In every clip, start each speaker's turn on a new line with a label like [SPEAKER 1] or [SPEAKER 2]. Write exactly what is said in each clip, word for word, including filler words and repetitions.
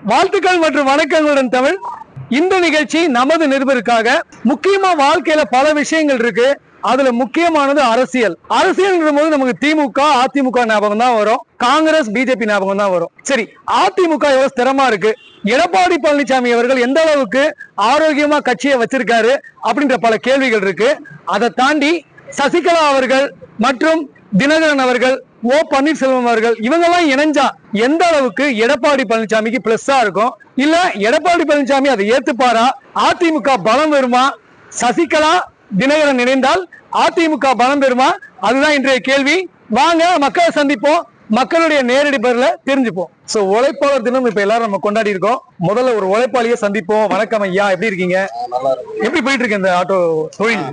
[SPEAKER 1] வாழ்த்துக்கள் மற்றும் வணக்கங்களுடன் தமிழ். இந்த நிகழ்ச்சி நமது நிருபருக்காக. முக்கியமா வாழ்க்கையில பல விஷயங்கள் இருக்கு, அதுல முக்கியமானது அரசியல். அரசியல் போது நமக்கு திமுக அதிமுக ஞாபகம் தான் வரும், காங்கிரஸ் பிஜேபி ஞாபகம் தான் வரும். சரி, அதிமுக எவ்வளவு ஸ்திரமா இருக்கு, எடப்பாடி பழனிசாமி அவர்கள் எந்த அளவுக்கு ஆரோக்கியமா கட்சியை வச்சிருக்காரு அப்படின்ற பல கேள்விகள் இருக்கு. அதை தாண்டி சசிகலா அவர்கள் மற்றும் தினகரன் அவர்கள், ஓ பன்னீர்செல்வம் அவர்கள், இவங்க எல்லாம் இணைஞ்சா எந்த அளவுக்கு எடப்பாடி பழனிசாமிக்கு பிளஸ்ஸா இருக்கும், இல்ல எடப்பாடி பழனிசாமி அதை ஏத்துப்பாரா, அதிமுக பலம் வருமா, சசிகலா தினகரன் இணைந்தால் அதிமுக பலம் பெறுமா, அதுதான் இன்றைய கேள்வி. வாங்க மக்களை சந்திப்போம், மக்களுடைய நேரடி பதில தெரிஞ்சுப்போம். சோ உழைப்பாளர் தினம் இப்ப எல்லாரும் நம்ம கொண்டாடி இருக்கோம். முதல்ல ஒரு உழைப்பாளியை சந்திப்போம். வணக்கம் ஐயா, எப்படி இருக்கீங்க? எப்படி போயிட்டு இருக்கு இந்த ஆட்டோ தொழில்?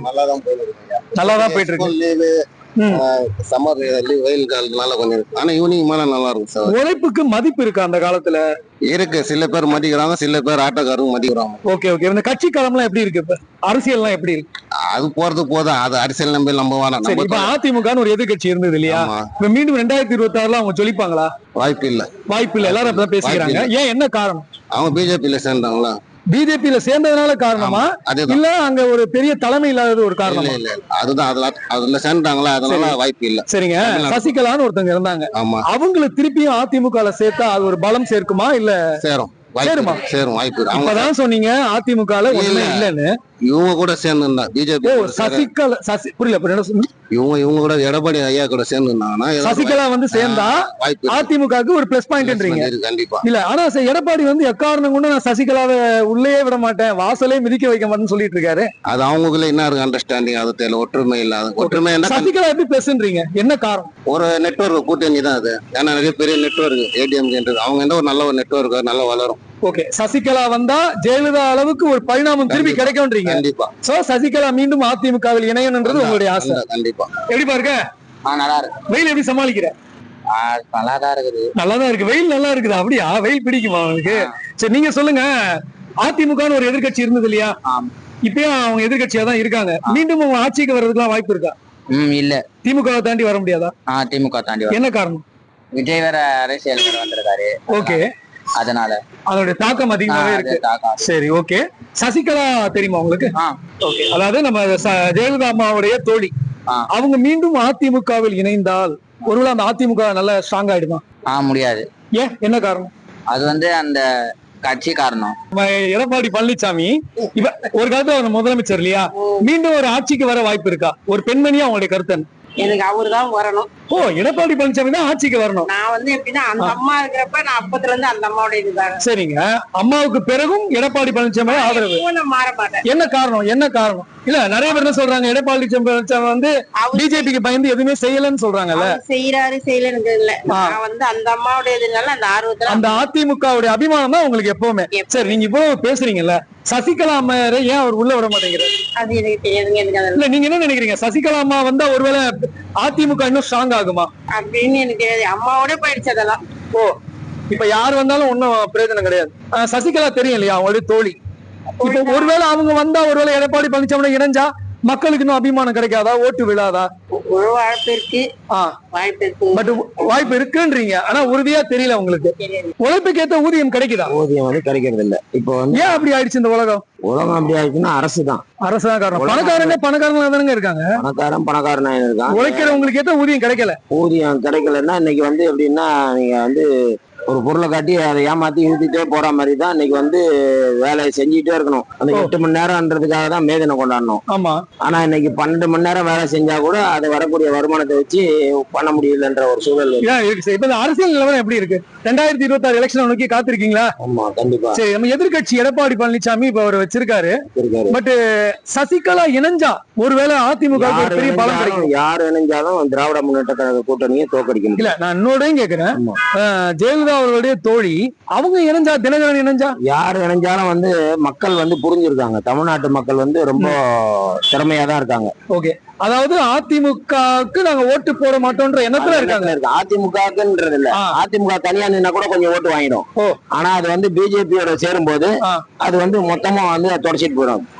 [SPEAKER 1] நல்லாதான் போயிட்டு இருக்கு.
[SPEAKER 2] சம்மர் வெயில் காலத்துனால கொஞ்சம், ஆனா ஈவினிங் மேல நல்லா இருக்கும் சார்.
[SPEAKER 1] உழைப்புக்கு மதிப்பு இருக்கு அந்த காலத்துல?
[SPEAKER 2] இருக்கு, சில பேர் மதிக்கிறாங்க, சில பேர் ஆட்டோக்காரங்க மதிக்கிறாங்க.
[SPEAKER 1] Okay okay. இந்த கட்சி காலம்லாம் எப்படி இருக்கு, இப்ப அரசியல்லாம் எப்படி இருக்கு?
[SPEAKER 2] அது போறது போதும், அது அரசியல் நம்ப நம்ப வேணாம்.
[SPEAKER 1] இப்ப அதிமுகன்னு ஒரு எதிர்கட்சி இருந்தது இல்லையா, இப்ப மீண்டும் ரெண்டாயிரத்தி இருபத்தி ஆறுல அவங்க சொல்லிப்பாங்களா?
[SPEAKER 2] வாய்ப்பு இல்ல,
[SPEAKER 1] வாய்ப்பு இல்ல. எல்லாரும் அப்பதான் பேசிக்கிறாங்க. ஏன், என்ன காரணம்?
[SPEAKER 2] அவங்க பிஜேபியில சேர்ந்தாங்களா?
[SPEAKER 1] பிஜேபியில சேர்ந்ததுனால காரணமா, இல்ல அங்க ஒரு பெரிய தலைமை இல்லாதது ஒரு காரணம்?
[SPEAKER 2] இல்ல, அதுதான், அதுல அதுல சேர்ந்தாங்களா, அதனால வாய்ப்பு இல்ல.
[SPEAKER 1] சரிங்க, சசிகலான்னு ஒருத்தங்க இருந்தாங்க, அவங்களை திருப்பியும் அதிமுக சேர்த்தா அது ஒரு பலம் சேர்க்குமா, இல்ல
[SPEAKER 2] சேரும்?
[SPEAKER 1] சேருமா?
[SPEAKER 2] சேரும், வாய்ப்பு.
[SPEAKER 1] அப்பதான் சொன்னீங்க அதிமுக இல்லன்னு.
[SPEAKER 2] இவங்க கூட சேர்ந்து பிஜேபி
[SPEAKER 1] சசிகலா சசி புரியல
[SPEAKER 2] இவங்க இவங்க கூட எடப்பாடி ஐயா கூட சேர்ந்து
[SPEAKER 1] சசிகலா வந்து சேர்ந்தா அதிமுகவுக்கு ஒரு பிளஸ் பாயிண்ட்ன்றீங்க.
[SPEAKER 2] கண்டிப்பா
[SPEAKER 1] இல்ல, ஆனா எடப்பாடி வந்து எக்காரணம் கொண்டு நான் சசிகலாவை உள்ளே விட மாட்டேன், வாசலே மிதிக்க வைக்க மாட்டேன்னு சொல்லிட்டு இருக்காரு.
[SPEAKER 2] அது அவங்களுக்குள்ள என்ன இருக்கு அண்டர்ஸ்டாண்டிங், அது தெரியல. ஒற்றுமை இல்லாத ஒற்றுமை.
[SPEAKER 1] சசிகலா எப்படி பேசுன்றீங்க, என்ன காரணம்?
[SPEAKER 2] ஒரு நெட்வொர்க் கூட்டணி தான் அது. ஏன்னா நிறைய பெரிய நெட்வொர்க் ஏடிஎம் அவங்க எந்த ஒரு நல்ல ஒரு நெட்வொர்க் நல்லா வளரும்.
[SPEAKER 1] ஓகே, சசிகலா வந்தா ஜெயலலிதா அளவுக்கு ஒரு பரிணாமம் திரும்பி கிடைக்கும்ன்றீங்க.
[SPEAKER 2] கண்டிப்பா.
[SPEAKER 1] சோ சசிகலா மீண்டும் அதிமுகவில் இணையணும்ன்றது உங்களுடைய ஆசை?
[SPEAKER 2] கண்டிப்பா.
[SPEAKER 1] எப்படி பாருங்க,
[SPEAKER 2] நல்லா இருக்கு.
[SPEAKER 1] வெயில் எப்படி சமாளிக்கிற?
[SPEAKER 2] நல்லாதான் இருக்குது.
[SPEAKER 1] நல்லாதான் இருக்கு. வெயில் நல்லா இருக்குது. அப்படியா, வெயில் பிடிக்குமா அவனுக்கு? சரி, நீங்க சொல்லுங்க. அதிமுகன்னு ஒரு எதிர்கட்சி இருந்தது இல்லையா, இப்பயும் அவங்க எதிர்கட்சியா தான் இருக்காங்க. மீண்டும் அவங்க ஆட்சிக்கு வர்றதுக்கு வாய்ப்பு இருக்கா?
[SPEAKER 3] இல்ல.
[SPEAKER 1] திமுக தாண்டி வர முடியாதா?
[SPEAKER 3] திமுக தாண்டி.
[SPEAKER 1] என்ன காரணம்?
[SPEAKER 3] விஜய் வேற அரசியல் வந்திருக்காரு.
[SPEAKER 1] ஓகே,
[SPEAKER 3] அதனால
[SPEAKER 1] அதோட தாக்கம் அதிகமாவே இருக்கு. சரி, ஓகே. சசிகலா தெரியுமா உங்களுக்கு? ஓகே, அதாவது நம்ம ஜெயலலிதா அம்மாவுடைய தோழி, அவங்க மீண்டும் அதிமுகவில் இணைந்தால் ஒருவேளை அந்த அதிமுக நல்ல ஸ்ட்ராங் ஆயிடுமா?
[SPEAKER 3] முடியாது.
[SPEAKER 1] ஏன், என்ன காரணம்?
[SPEAKER 3] அது வந்து அந்த கட்சி காரணம்.
[SPEAKER 1] எடப்பாடி பழனிசாமி இப்ப ஒரு காலத்துல முதலமைச்சர் இல்லையா, மீண்டும் ஒரு ஆட்சிக்கு வர வாய்ப்பு இருக்கா? ஒரு பெண்மணியா அவங்களுடைய கருத்து?
[SPEAKER 4] எனக்கு அவருதான் வரணும்.
[SPEAKER 1] ஓ, எடப்பாடி பழனிசாமி தான் ஆட்சிக்கு வரணும்.
[SPEAKER 4] நான் வந்து எப்படின்னா அந்த அம்மா இருக்கிறப்ப நான் அப்பத்துல இருந்து அந்த அம்மாவோட இதுதான்.
[SPEAKER 1] சரிங்க, அம்மாவுக்கு பிறகும் எடப்பாடி பழனிசாமி ஆதரவு.
[SPEAKER 4] மாற மாட்டேன்.
[SPEAKER 1] என்ன காரணம், என்ன காரணம்? இல்ல, நிறைய பேர் என்ன சொல்றாங்க, எடப்பாடி பழனிசாமி வந்து பிஜேபிக்கு பயந்து எதுவுமே செய்யலன்னு சொல்றாங்கல்ல.
[SPEAKER 4] செய்யறாரு செய்யலன்னு இல்ல, நான் வந்து அந்த அம்மாவோட இதுனால அந்த ஆர்வத்துல
[SPEAKER 1] அந்த அதிமுகவுடைய அபிமானம் தான் உங்களுக்கு எப்பவுமே. சரி, நீங்க இப்போ பேசுறீங்கல்ல, சசிகலா அம்மா ஏன் அவர் உள்ள விட மாட்டேங்கிறாரு?
[SPEAKER 4] அது எனக்கு தெரியாதுங்க.
[SPEAKER 1] இல்ல, நீங்க என்ன நினைக்கிறீங்க, சசிகலா அம்மா வந்தா ஒருவேளை அதிமுக இன்னும் ஸ்ட்ராங் ஆகுமா
[SPEAKER 4] அப்படின்னு எனக்கு தெரியாது. அம்மாவோட போயிடுச்சு அதெல்லாம்.
[SPEAKER 1] ஓ, இப்ப யார் வந்தாலும் ஒன்னும் பிரயோஜனம் கிடையாது. சசிகலா தெரியும் இல்லையா, அவங்களுடைய தோழி. இப்ப ஒருவேளை அவங்க வந்தா, ஒருவேளை எடப்பாடி பழனிசாமி இணைஞ்சா மக்களுக்கு இன்னும் அபிமானம் கிடைக்காதா, ஓட்டு விழாதா?
[SPEAKER 4] ஒரு வாய்ப்பு இருக்கு, வாய்ப்பு இருக்கு,
[SPEAKER 1] பட் வாய்ப்பு இருக்குன்றீங்க, ஆனா உறுதியா தெரியல உங்களுக்கு. உழைப்புக்கு ஏத்த ஊதியம் கிடைக்குதா?
[SPEAKER 5] ஊதியம் வந்து கிடைக்கிறது இல்ல. இப்போ
[SPEAKER 1] ஏன் அப்படி ஆயிடுச்சு இந்த உலகம்?
[SPEAKER 5] உலகம் அப்படி ஆயிடுச்சுன்னா அரசு தான்.
[SPEAKER 1] அரசு தான் காரணம். பணக்காரனே பணக்காரனா தானங்க இருக்காங்க.
[SPEAKER 5] பணக்காரன் பணக்காரனா இருக்காங்க.
[SPEAKER 1] உழைக்கிறவங்களுக்கு ஏத்த ஊதியம் கிடைக்கல.
[SPEAKER 5] ஊதியம் கிடைக்கலன்னா இன்னைக்கு வந்து எப்படின்னா, நீங்க வந்து ஒரு பொருளை காட்டி அதை ஏமாத்தி இழுத்துட்டே போற மாதிரி தான் இன்னைக்கு வந்து வேலையை செஞ்சுட்டே இருக்கணும். அந்த எட்டு மணி நேரம்ன்றதுக்காக தான் மேதனை கொண்டாடணும்.
[SPEAKER 1] ஆமா.
[SPEAKER 5] ஆனா இன்னைக்கு பன்னெண்டு மணி நேரம் வேலை செஞ்சா கூட அது வரக்கூடிய வருமானத்தை வச்சு பண்ண முடியலன்ற ஒரு சூழல்
[SPEAKER 1] இருக்கு. இப்ப அரசியல் நிலவரம் எப்படி இருக்கு? ரெண்டாயிரத்தி இருபத்தி ஆறு எலெக்ஷன் நோக்கி காத்திருக்கீங்களா?
[SPEAKER 5] ஆமா, கண்டிப்பா.
[SPEAKER 1] சரி, நம்ம எதிர்கட்சி எடப்பாடி பழனிசாமி இப்ப அவர் வச்சிருக்காரு. பட் சசிகலா இணைஞ்சா ஒருவேளை அதிமுக பெரிய பலம் கிடைக்கும்.
[SPEAKER 5] யார் இணைஞ்சாலும் திராவிட முன்னேற்ற கழக கூட்டணியை தோக்கடிக்கும்.
[SPEAKER 1] இல்ல, நான் இன்னொடையும் கேக்குறேன், ஜெயலலிதா அவர்களுடைய தோழி அவங்க இணைஞ்சா, தினகரன் இணைஞ்சா,
[SPEAKER 5] யார் இணைஞ்சாலும் வந்து மக்கள் வந்து புரிஞ்சிருக்காங்க. தமிழ்நாட்டு மக்கள் வந்து ரொம்ப திறமையா தான் இருக்காங்க.
[SPEAKER 1] ஓகே, அதாவது அதிமுகவுக்கு நாங்க ஓட்டு போட மாட்டோம்ன்ற எண்ணத்துல இருக்காங்க.
[SPEAKER 5] அதிமுகன்றது இல்ல, அதிமுக தனியா நின்னா கூட கொஞ்சம் ஓட்டு வாங்கிடும். ஆனா அது வந்து பிஜேபியோட சேரும் போது அது வந்து மொத்தமா வந்து தொடச்சிட்டு போயிடும்.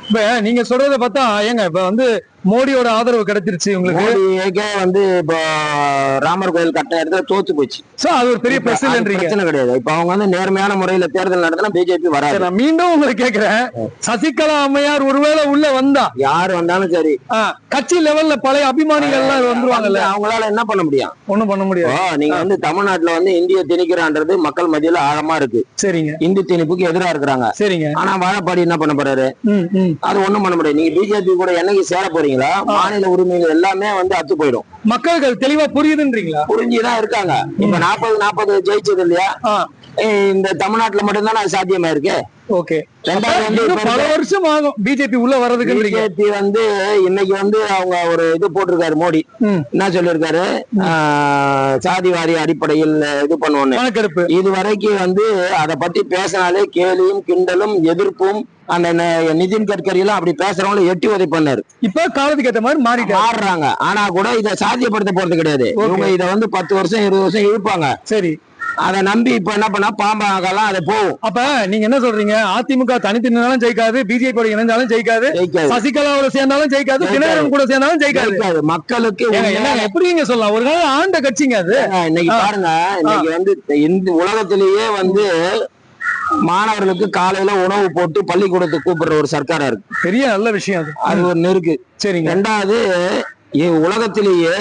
[SPEAKER 1] இப்ப நீங்க சொல்றத பார்த்தா ஏங்க இப்ப வந்து மோடியோட ஆதரவு கிடைச்சிருச்சு உங்களுக்கு,
[SPEAKER 5] மோடிக்கே வந்து இப்போ ராமர் கோயில் கட்ட இடத்துல தோத்து போச்சு.
[SPEAKER 1] சோ அது ஒரு பெரிய
[SPEAKER 5] இப்ப அது
[SPEAKER 1] பிரச்சனைன்றீங்க.
[SPEAKER 5] பிரச்சனை கிடையாது. இப்ப அவங்க வந்து நேர்மையான முறையில தேர்தல் நடத்தினா பிஜேபி வராது.
[SPEAKER 1] சரி, நான் மீண்டும் உங்களை கேக்குறேன், சசிகலா அம்மையார் ஒருவேளை உள்ள வந்தா
[SPEAKER 5] யார் வந்தாலும் சரி
[SPEAKER 1] ஆ, கட்சி லெவல்ல பழைய அபிமானிகள் எல்லாம் வந்துருவாங்கல்ல,
[SPEAKER 5] அவங்களால என்ன பண்ண முடியும்?
[SPEAKER 1] ஒண்ணும் பண்ண முடியாது.
[SPEAKER 5] இப்போ நீங்க வந்து தமிழ்நாட்டுல வந்து இந்திய திணிக்கிறான்றது மக்கள் மத்தியில ஆழமா இருக்கு.
[SPEAKER 1] சரிங்க
[SPEAKER 5] இந்தி திணிப்புக்கு எதிரா இருக்கிறாங்க.
[SPEAKER 1] சரிங்க.
[SPEAKER 5] ஆனா வாழப்பாடி என்ன பண்ண போறாரு?
[SPEAKER 1] ம் ம்
[SPEAKER 5] அது ஒண்ணும் பண்ண முடியாது. நீங்க பிஜேபி கூட என்னைக்கு சேர போறீங்களா, மாநில உரிமைகள் எல்லாமே வந்து அத்து போயிடும்.
[SPEAKER 1] மக்களுக்கு அது தெளிவா புரியுதுன்றீங்களா?
[SPEAKER 5] புரிஞ்சுதான் இருக்காங்க. இப்ப நாற்பது நாற்பது ஜெயிச்சது இல்லையா?
[SPEAKER 1] ஆ,
[SPEAKER 5] ஏய், இந்த தமிழ்நாட்டுல மட்டும்தான் அது சாத்தியமா இருக்கு.
[SPEAKER 1] ஓகே.
[SPEAKER 5] ரெண்டாவது வந்து
[SPEAKER 1] இன்னும்
[SPEAKER 5] இப்ப
[SPEAKER 1] பல வருஷம் ஆகும் பிஜேபி உள்ள வர்றதுக்குன்றீங்க.
[SPEAKER 5] பிஜேபி வந்து இன்னைக்கு வந்து அவங்க ஒரு இது போட்டிருக்காரு மோடி.
[SPEAKER 1] ம்.
[SPEAKER 5] என்ன சொல்லியிருக்காரு? ஆஹ், சாதிவாரி அடிப்படையில் இது பண்ணுவோன்னு.
[SPEAKER 1] கணக்கெடுப்பு
[SPEAKER 5] இது வரைக்கும் வந்து அதை பத்தி பேசினாலே கேலியும் கிண்டலும் எதிர்ப்பும். அந்த ந- நிதின் கட்கரி எல்லாம் அப்படி பேசுறவங்களை எட்டி உதை பண்ணாரு.
[SPEAKER 1] இப்ப காலத்துக்கு ஏத்த மாதிரி மாறிட்டாரு.
[SPEAKER 5] மாறுறாங்க. ஆனா கூட இதை சாத்தியப்படுத்த போறது கிடையாது. இவங்க இதை வந்து பத்து வருஷம் இருபது வருஷம் இழுப்பாங்க.
[SPEAKER 1] சரி,
[SPEAKER 5] அதை நம்பி இப்ப என்ன பண்ணா பாம்பாகலாம் அதை போகும்.
[SPEAKER 1] அப்ப நீங்க என்ன சொல்றீங்க? அதிமுக தனித்து நின்னாலும் ஜெயிக்காது, பிஜேபி இணைந்தாலும் ஜெயிக்காது,
[SPEAKER 5] ஜெயிக்காது.
[SPEAKER 1] சசிகலாவோட சேர்ந்தாலும் ஜெயிக்காது,
[SPEAKER 5] ஜெயிக்காது.
[SPEAKER 1] தினகரன் கூட சேர்ந்தாலும் ஜெயிக்காது.
[SPEAKER 5] ஜெயிக்காது. மக்களுக்கு
[SPEAKER 1] ஏங்க,
[SPEAKER 5] உண்மையா-
[SPEAKER 1] என்னங்க, எப்படி நீங்க சொல்லலாம்? ஒரு நாள் ஆண்ட கட்சிங்க அது.
[SPEAKER 5] இன்னைக்கு
[SPEAKER 1] ஆ.
[SPEAKER 5] பாருங்க, இன்னைக்கு வந்து இந்த உலகத்திலேயே வந்து மாணவர்களுக்கு காலையில உணவு போட்டு பள்ளிக்கூடத்துக்கு கூப்பிடுற ஒரு சர்க்காரா இருக்கு.
[SPEAKER 1] பெரிய நல்ல விஷயம் அது.
[SPEAKER 5] அது ஒரு நெருக்கு.
[SPEAKER 1] சரிங்க.
[SPEAKER 5] ரெண்டாவது, இ- உலகத்திலேயே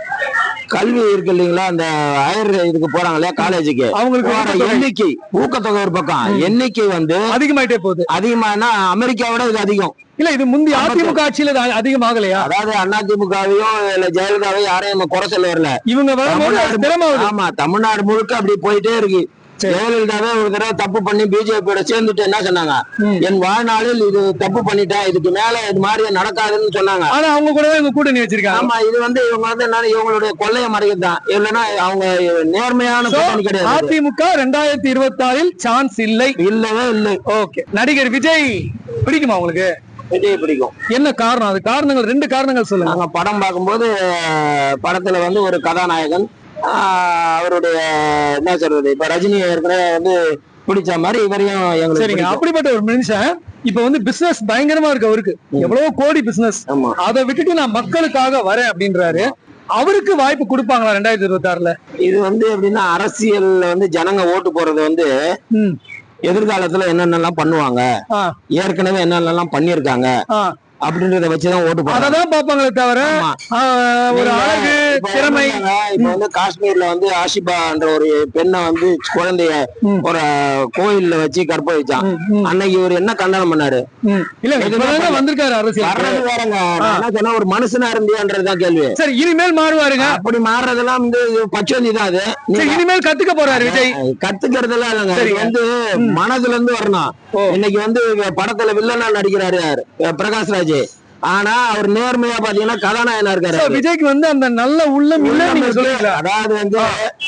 [SPEAKER 5] கல்வி இருக்கு இல்லைங்களா, அந்த ஹையர் இதுக்கு போறாங்க இல்லையா, காலேஜுக்கு,
[SPEAKER 1] அவங்களுக்கு
[SPEAKER 5] போற
[SPEAKER 1] ஊக்கத்தொகை
[SPEAKER 5] எண்ணிக்கை ஊக்கத்தொகை ஒரு பக்கம், எண்ணிக்கை வந்து
[SPEAKER 1] அதிகமாயிட்டே போகுது.
[SPEAKER 5] அதிகமானா அமெரிக்காவோட இது அதிகம்.
[SPEAKER 1] இல்ல, இது முந்தி அதிமுக ஆட்சியில இது அதிகமாகலையா?
[SPEAKER 5] அதாவது அதிமுகவையும் இல்ல ஜெயலலிதாவையும் யாரையும் நம்ம குறை சொல்ல வரல.
[SPEAKER 1] இவங்க வரும்போது அது திறமாவுது.
[SPEAKER 5] ஆமா, தமிழ்நாடு முழுக்க அப்படி போயிட்டே இருக்கு. ஜெயலலிதாவே ஒரு தடவை தப்பு பண்ணி பிஜேபியோட சேர்ந்துட்டு என்ன சொன்னாங்க? என் வாழ்நாளில் இது தப்பு பண்ணிட்டேன், இதுக்கு மேல இது மாதிரி நடக்காதுன்னு சொன்னாங்க.
[SPEAKER 1] ஆனா அவங்க கூட இவங்க கூட்டணி வச்சிருக்காங்க.
[SPEAKER 5] ஆமா, இது வந்து இவங்க வந்து என்ன, இவங்களுடைய கொள்ளைய மறைக்கிறது தான். இல்லைன்னா அவங்க நேர்மையான கூட்டணி கிடையாது.
[SPEAKER 1] அதிமுக ரெண்டாயிரத்தி இருபத்தி ஆறில் சான்ஸ் இல்லை.
[SPEAKER 5] இல்லவே இல்லை.
[SPEAKER 1] ஓகே. நடிகர் விஜய் பிடிக்குமா உங்களுக்கு?
[SPEAKER 5] விஜய் பிடிக்கும்.
[SPEAKER 1] என்ன காரணம்? அது காரணங்கள், ரெண்டு காரணங்கள் சொல்லுங்க.
[SPEAKER 5] நாங்க படம் பார்க்கும்போது படத்துல வந்து ஒரு கதாநாயகன், ஆஹ், அவருடைய என்ன சொல்றது, இப்ப ரஜினி ஏற்கனவே வந்து பிடிச்ச மாதிரி இவரையும் எங்களுக்கு
[SPEAKER 1] சரிங்க.
[SPEAKER 5] பிடிக்கும்.
[SPEAKER 1] அப்படிப்பட்ட ஒரு மனுஷன் இப்ப வந்து பிசினஸ் பயங்கரமா இருக்கு அவருக்கு, எவ்வளவு கோடி பிசினஸ்.
[SPEAKER 5] ஆமா.
[SPEAKER 1] அதை விட்டுட்டு நான் மக்களுக்காக வரேன் அப்படின்றாரு. அவருக்கு வாய்ப்பு கொடுப்பாங்களா ரெண்டாயிரத்தி இருபத்தி ஆறுல?
[SPEAKER 5] இது வந்து எப்படின்னா, அரசியல்ல வந்து ஜனங்க ஓட்டு போறது வந்து
[SPEAKER 1] ம்.
[SPEAKER 5] எதிர்காலத்துல என்னென்னலாம் பண்ணுவாங்க,
[SPEAKER 1] ஆ,
[SPEAKER 5] ஏற்கனவே என்னென்னலாம் பண்ணிருக்காங்க
[SPEAKER 1] ஆ.
[SPEAKER 5] அப்படின்றத வச்சுதான் ஓட்டு போறாங்க.
[SPEAKER 1] அததான் பாப்பாங்களே தவிர
[SPEAKER 5] ஆமா.
[SPEAKER 1] ஆ, ஒரு அழகு,
[SPEAKER 5] இப்ப
[SPEAKER 1] திறமை.
[SPEAKER 5] என்னங்க, இப்ப வந்து காஷ்மீர்ல வந்து ஆஷிபா என்ற ஒரு பெண்ணை வந்து குழந்தைய
[SPEAKER 1] ம்.
[SPEAKER 5] ஒரு கோயில்ல வச்சு கற்பழிச்சான்.
[SPEAKER 1] ம், ம்,
[SPEAKER 5] அன்னைக்கு இவர் என்ன கண்டனம் பண்ணாரு?
[SPEAKER 1] ம். இல்ல, இப்பதாங்க வந்திருக்காரு அரசியல்.
[SPEAKER 5] வர்றது வேறங்க. நான் என்ன சொன்னா, ஒரு மனுஷனா இருந்தியான்றதுதான் கேள்வி.
[SPEAKER 1] சரி, இனிமேல் மாறுவாருங்க.
[SPEAKER 5] அப்படி மாறுறதெல்லாம் வந்து பச்சோந்தி தான் அது.
[SPEAKER 1] சரி,
[SPEAKER 5] நீங்க
[SPEAKER 1] இனிமேல் கத்துக்க போறாரு விஜய்.
[SPEAKER 5] கத்துக்கிறதுலாம் இல்லைங்க.
[SPEAKER 1] சரி.
[SPEAKER 5] இது வந்து மனதுல இருந்து வரணும்.
[SPEAKER 1] ஓ.
[SPEAKER 5] இன்னைக்கு வந்து படத்துல வில்லனா நடிக்கிறாரு யாரு? பிரகாஷ்ராஜ். ஆனா அவர் நேர்மையா பாத்தீங்கன்னா கதாநாயகனா இருக்காரு.
[SPEAKER 1] So, விஜய்க்கு வந்து அந்த நல்ல உள்ளம் இல்ல நீங்க சொல்றீங்களா?
[SPEAKER 5] அதாவது வந்து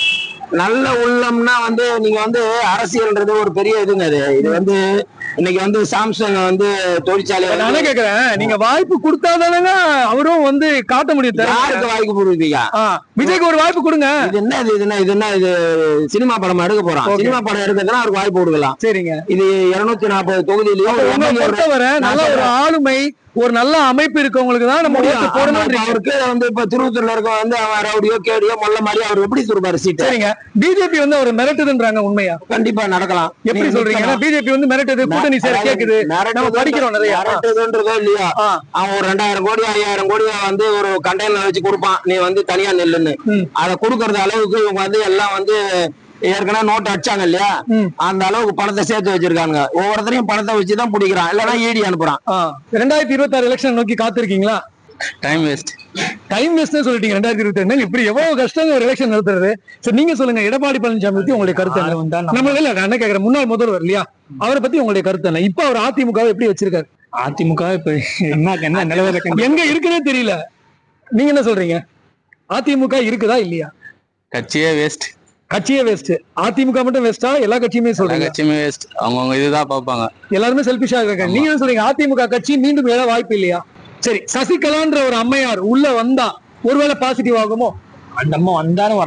[SPEAKER 5] நல்ல உள்ளம்னா வந்து நீங்க வந்து அரசியல்ன்றது ஒரு பெரிய இதுங்க. அது இது வந்து இன்னைக்கு வந்து சாம்சங் வந்து தொழிற்சாலை வந்து
[SPEAKER 1] நானே கேக்குறேன், நீங்க வாய்ப்பு கொடுத்தாதானங்க அவரும் வந்து காட்ட முடியும். திறமைய.
[SPEAKER 5] யாருக்கு வாய்ப்பு கொடுப்பீங்க?
[SPEAKER 1] ஆ, விஜய்க்கு ஒரு வாய்ப்பு கொடுங்க.
[SPEAKER 5] இது என்ன இது என்ன இது என்ன இது சினிமா படம் எடுக்க போறான்.
[SPEAKER 1] Okay.
[SPEAKER 5] சினிமா படம் எடுக்கிறதுனா அவருக்கு வாய்ப்பு கொடுக்கலாம்.
[SPEAKER 1] சரிங்க.
[SPEAKER 5] இது இருநூத்தி நாற்பது தொகுதியிலயும் ஒரு
[SPEAKER 1] உங்களை
[SPEAKER 5] எம்எல்ஏ
[SPEAKER 1] பொறுத்தவரை நல்ல ஒரு ஆளுமை, ஒரு நல்ல அமைப்பு இருக்கவங்களுக்கு தான் நம்ம ஓட்டு போடணும்.
[SPEAKER 5] அவருக்கு வந்து இப்ப திருவத்தூர்ல இருக்க வந்து அவன் ரவுடியோ கேடியோ மொல்ல மாதிரி அவர் எப்படி சொல்றாரு சீட்டு?
[SPEAKER 1] சரிங்க. பிஜேபி வந்து அவர் மிரட்டுதுன்றாங்க, உண்மையா?
[SPEAKER 5] கண்டிப்பா நடக்கலாம்.
[SPEAKER 1] எப்படி
[SPEAKER 5] நீங்க
[SPEAKER 1] சொல்றீங்க?
[SPEAKER 5] நிக்கலாம்.
[SPEAKER 1] பிஜேபி வந்து மிரட்டுது, கூட்டணி சேர கேக்குது, நம்ம படிக்கிறோம் நிறைய.
[SPEAKER 5] மிரட்டுதுன்றதோ இல்லையா,
[SPEAKER 1] ஆ.
[SPEAKER 5] அவன் ஒரு ரெண்டாயிரம் கோடி ஐயாயிரம் கோடி வந்து ஒரு கண்டெய்னர் வச்சு கொடுப்பான், நீ வந்து தனியா நெல்லுன்னு.
[SPEAKER 1] ம்.
[SPEAKER 5] அதை கொடுக்கறது அளவுக்கு இவங்க வந்து எல்லாம் வந்து ஏற்கனவே நோட்டு அடிச்சாங்க இல்லையா,
[SPEAKER 1] ம்.
[SPEAKER 5] அந்த அளவுக்கு பணத்தை சேர்த்து வச்சிருக்காங்க. ஒவ்வொருத்தரையும் பணத்தை வச்சுதான் பிடிக்கிறான், இல்லைன்னா ஈடி அனுப்புறான்.
[SPEAKER 1] ஆ, ரெண்டாயிரத்தி இருபத்தி ஆறு எலெக்ஷன் நோக்கி காத்திருக்கீங்களா?
[SPEAKER 3] Time waste.
[SPEAKER 1] டைம் வேஸ்ட் சொல்லிட்டீங்க. ரெண்டாயிரத்தி இருபத்தி ரெண்டு இப்படி எவ்வளவு கஷ்டம் ஒரு எலெக்ஷன் நடத்துறது. சரி, நீங்க சொல்லுங்க, எடப்பாடி பழனிசாமி பத்தி உங்களுடைய கருத்து என்ன? நம்ம இல்ல, நான் என்ன கேக்குறேன், முன்னாள் முதல்வர் இல்லையா, அவரை பத்தி உங்களுடைய கருத்து என்ன? இப்ப அவர் அதிமுக எப்படி வச்சிருக்காரு?
[SPEAKER 6] அதிமுக இப்ப என்ன என்ன நிலவரம்
[SPEAKER 1] எங்க இருக்குன்னே தெரியல. நீங்க என்ன சொல்றீங்க? அதிமுக இருக்குதா இல்லையா?
[SPEAKER 3] கட்சியே வேஸ்ட்.
[SPEAKER 1] கட்சியே வேஸ்ட். அதிமுக மட்டும் வேஸ்டா? எல்லா கட்சியுமே
[SPEAKER 3] எல்லா
[SPEAKER 1] சொல்றீங்க?
[SPEAKER 3] கட்சியுமே வேஸ்ட். அவங்கவுங்க இதுதான் பார்ப்பாங்க.
[SPEAKER 1] எல்லாருமே செல்பிஷா இருக்காங்க. நீங்க என்ன சொல்றீங்க? அதிமுக கட்சி மீண்டும் எழ வாய்ப்பு இல்லையா? சரி, சசிகலான்ற ஒரு அம்மையார் உள்ள வந்தா ஒருவேளை பாசிட்டிவ் ஆகுமோ?
[SPEAKER 6] அந்த அம்மா வந்தாலும் வராது.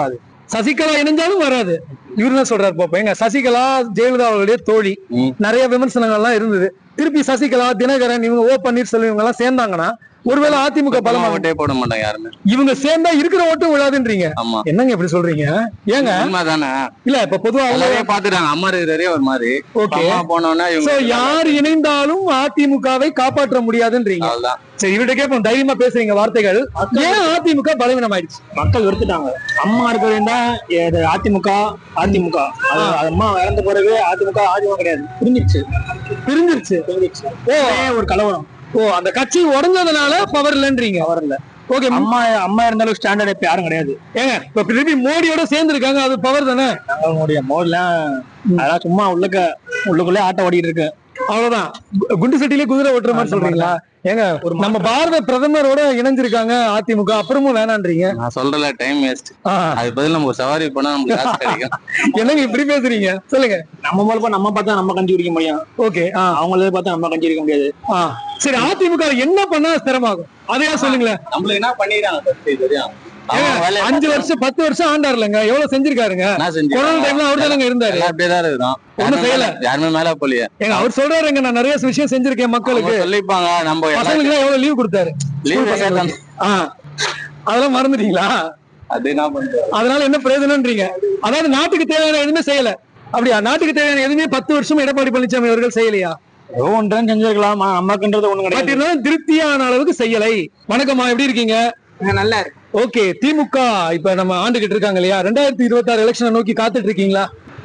[SPEAKER 1] சசிகலா இணைஞ்சாலும் வராது. இவரு என்ன சொல்றாரு பாப்போம். எங்க சசிகலா ஜெயலலிதா அவர்களுடைய தோழி,
[SPEAKER 3] ம்.
[SPEAKER 1] நிறைய விமர்சனங்கள்லாம் இருந்தது. திருப்பி சசிகலா, தினகரன், இவங்க ஓ பன்னீர்செல்வம் இவங்க எல்லாம் சேர்ந்தாங்கன்னா ஒருவேளை அதிமுக பலமா
[SPEAKER 3] ஓட்டே போட மாட்டாங்க யாருமே.
[SPEAKER 1] இவங்க சேர்ந்தா இருக்கிற ஓட்டும் விழாதுன்றீங்க.
[SPEAKER 3] ஆமா,
[SPEAKER 1] என்னங்க இப்படி சொல்றீங்க? ஏங்க
[SPEAKER 3] உண்மைதானே.
[SPEAKER 1] இல்ல இப்ப பொதுவா
[SPEAKER 3] எல்லாரையும் பாத்துட்டாங்க. அம்மா இருக்கிறதே ஒரு மாதிரி.
[SPEAKER 1] ஓகே,
[SPEAKER 3] அம்மா போனோம்னா
[SPEAKER 1] சோ
[SPEAKER 3] இவங்க
[SPEAKER 1] யார் இணைந்தாலும் அதிமுகவை காப்பாற்ற முடியாதுன்றீங்க.
[SPEAKER 3] அவ்வளவுதான்.
[SPEAKER 1] சரி, இவர்கிட்ட கேட்போம், தைரியமா பேசுறீங்க வார்த்தைகள். ஏன் அதிமுக பலவீனம் ஆயிடுச்சு?
[SPEAKER 6] மக்கள் வெறுத்துட்டாங்க. அம்மா இருக்கிறதா அதிமுக அதிமுக அது அம்மா இறந்த பிறகு அதிமுக அதிமுக கிடையாது, பிரிஞ்சிருச்சு
[SPEAKER 1] பிரிஞ்சிருச்சு.
[SPEAKER 6] பிரிஞ்சிருச்சு
[SPEAKER 1] ஓ,
[SPEAKER 6] ஒரு கலவரம்.
[SPEAKER 1] ஓ, அந்த கட்சி உடஞ்சதுனால பவர் இல்லன்றீங்க.
[SPEAKER 6] பவர் இல்ல.
[SPEAKER 1] ஓகே,
[SPEAKER 6] அம்மா அம்மா இருந்தாலும் ஸ்டாண்டர்ட் இப்ப யாரும் கிடையாது.
[SPEAKER 1] ஏங்க இப்ப திருப்பி மோடியோட சேர்ந்து இருக்காங்க, அது பவர் தானே.
[SPEAKER 6] அவங்களுடைய மோட்லாம் அதெல்லாம் சும்மா உள்ளக்க உள்ளுக்குள்ளே ஆட்டம் ஓடிட்டு இருக்கு.
[SPEAKER 1] அவ்வளவுதான். கு- குண்டு சட்டிலே குதிரை ஓட்டுற மாதிரி சொல்றீங்களா? ஏங்க ஒரு நம்ம பாரத பிரதமரோட இணைஞ்சிருக்காங்க அதிமுக, அப்புறமும் வேணான்றீங்க.
[SPEAKER 3] நான் சொல்றல டைம் வேஸ்ட்.
[SPEAKER 1] ஆ,
[SPEAKER 3] அது பதில் நம்ம ஒரு சவாரி போனா நமக்கு காசு கிடைக்கும்.
[SPEAKER 1] என்னங்க இப்படி பேசுறீங்க? சொல்லுங்க.
[SPEAKER 6] நம்ம மூலமா நம்ம பார்த்தா நம்ம கஞ்சி குடிக்க முடியும்,
[SPEAKER 1] ஓகே. ஆ,
[SPEAKER 6] அவங்களே பார்த்தா நம்ம கஞ்சி குடிக்க முடியாது.
[SPEAKER 1] ஆ, சரி, அதிமுக என்ன பண்ணா ஸ்திரமாகும்? அதையா சொல்லுங்களேன்.
[SPEAKER 3] நம்மளுக்கு என்ன பண்ணிடுறாங்க தெரியும். அவங்க வேலையை
[SPEAKER 1] அஞ்சு வருஷம் பத்து வருஷம் ஆண்டாருலங்க, எவ்வளவு செஞ்சிருக்காருங்க.
[SPEAKER 3] என்ன செஞ்சு
[SPEAKER 1] கொரோனா டைம்ல அவர் தானங்க இருந்தாரு.
[SPEAKER 3] எல்லாம் அப்படியே தான் இருக்கிறோம்.
[SPEAKER 1] ஒண்ணும் செய்யல.
[SPEAKER 3] யாருமே மேல போலியே.
[SPEAKER 1] ஏங்க அவர் சொல்றாருங்க, நான் நிறைய விஷயம் செஞ்சிருக்கேன் மக்களுக்கு.
[SPEAKER 3] அவங்க சொல்லிப்பாங்க. நம்ம
[SPEAKER 1] பசங்களுக்கு எல்லாம் எவ்வளவு லீவ் கொடுத்தாரு.
[SPEAKER 3] லீவ்
[SPEAKER 1] பசங்களுக்கு. ஆ, அதெல்லாம் மறந்துட்டீங்களா?
[SPEAKER 3] அது என்ன பண்றது?
[SPEAKER 1] அதனால என்ன பிரயோஜனம்ன்றீங்க? அதாவது நாட்டுக்கு தேவையான எதுவுமே செய்யல. அப்படியா? நாட்டுக்கு தேவையான எதுவுமே பத்து வருஷம் எடப்பாடி பழனிசாமி அவர்கள் செய்யலையா?
[SPEAKER 6] ஏதோ ஒன்றும் செஞ்சிருக்கலாம், நமக்குன்றது ஒண்ணும்
[SPEAKER 1] பட்
[SPEAKER 6] கிடையாது.
[SPEAKER 1] இருந்தாலும் திருப்தியான அளவுக்கு செய்யலை. வணக்கம்மா, எப்படி இருக்கீங்க?
[SPEAKER 4] நல்லா இருக்கு.
[SPEAKER 1] ஓகே, திமுக இப்ப நம்ம ஆண்டுகிட்டு இருக்காங்க இல்லையா? ரெண்டாயிரத்தி இருபத்தி ஆறு எலெக்ஷனை நோக்கி காத்துட்டு இருக்கீங்களா?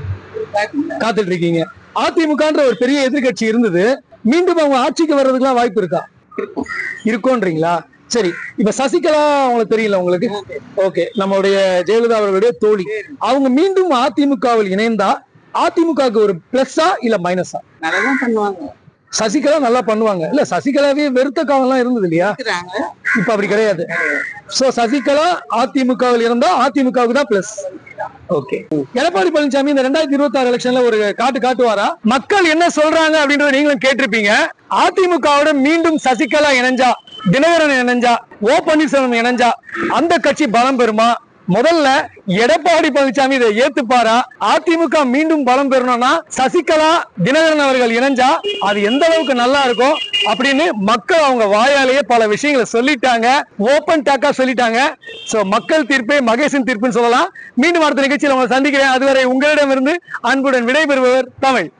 [SPEAKER 1] காத்துட்டு இருக்கீங்க. அதிமுகன்ற ஒரு பெரிய எதிர்க்கட்சி இருந்தது, மீண்டும் அவங்க ஆட்சிக்கு வர்றதுக்குலாம் வாய்ப்பு இருக்கா? இருக்கும்ன்றீங்களா? சரி, இப்ப சசிகலா அவங்களுக்கு தெரியல உங்களுக்கு. ஓகே, நம்மளுடைய ஜெயலலிதா அவர்களுடைய தோழி, அவங்க மீண்டும் அதிமுகவில் இணைந்தா அதிமுகவுக்கு ஒரு பிளஸ்ஸா இல்ல மைனஸா?
[SPEAKER 4] நல்லாதான் பண்ணுவாங்க.
[SPEAKER 1] சசிகலா நல்லா பண்ணுவாங்க. இல்ல, சசிகலாவே வெறுத்த காலம் எல்லாம் இருந்தது இல்லையா?
[SPEAKER 4] இருக்கிறாங்க.
[SPEAKER 1] இப்ப அப்படி கிடையாது. சோ சசிகலா அதிமுகவில் இருந்தா அதிமுகவுக்கு தான் பிளஸ். ஓகே, எடப்பாடி பழனிசாமி இந்த ரெண்டாயிரத்தி இருபத்தி ஆறு எலெக்ஷன்ல ஒரு காட்டு காட்டுவாரா? மக்கள் என்ன சொல்றாங்க அப்படின்றத நீங்களும் கேட்டிருப்பீங்க. அதிமுகவோட மீண்டும் சசிகலா இணைஞ்சா, தினகரன் இணைஞ்சா, ஓ பன்னீர்செல்வம் இணைஞ்சா அந்த கட்சி பலம் பெறுமா? முதல்ல எடப்பாடி பழனிசாமி இதை ஏத்துப்பாரா? அதிமுக மீண்டும் பலம் பெறணும்னா சசிகலா, தினகரன் அவர்கள் இணைஞ்சா அது எந்த அளவுக்கு நல்லா இருக்கும் அப்படின்னு மக்கள் அவங்க வாயாலேயே பல விஷயங்களை சொல்லிட்டாங்க, ஓபன் டாக்கா சொல்லிட்டாங்க. சோ மக்கள் தீர்ப்பே மகேசன் தீர்ப்புன்னு சொல்லலாம். மீண்டும் அடுத்த நிகழ்ச்சியில் உங்களை சந்திக்கிறேன். அதுவரை உங்களிடமிருந்து அன்புடன் விடைபெறுபவர் தமிழ்.